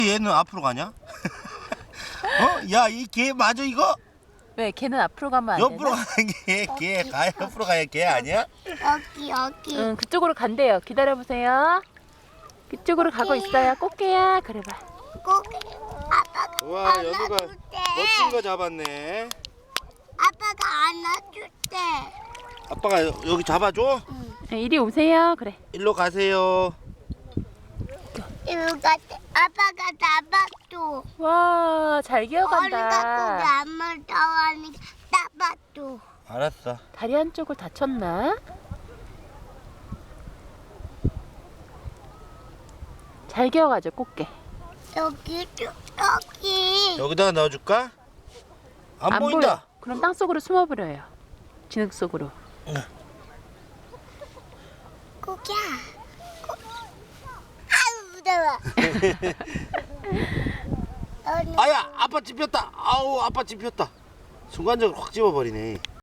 얘는 앞으로 가냐? 어? 야, 이 개 맞아 이거? 왜 걔는 앞으로 가면 안 옆으로 되나? 가는 개 가 옆으로 가야 개 아니야? 여기. 응, 그쪽으로 간대요. 기다려보세요. 그쪽으로 가고 있어요. 꽃게야. 그래봐. 꼭 아빠가 와, 안아줄 연우가 때. 멋진 거 잡았네. 아빠가 안아줄 때. 아빠가 여기 잡아줘? 네, 이리 오세요. 그래. 일로 가세요. 이거 같아. 아빠가 잡아줘. 와, 잘 어리가 고기 기어간다. 안 물다하니까 잡아줘. 알았어. 다리 한쪽을 다쳤나? 잘 기어가죠, 꽃게. 여기. 여기. 여기다가 넣어줄까? 안 보여. 보인다. 그럼 땅 속으로 숨어버려요. 진흙 속으로. 고기야. 아우 무서워. 아야, 아빠 찝혔다. 아우, 아빠 찝혔다. 순간적으로 확 집어버리네.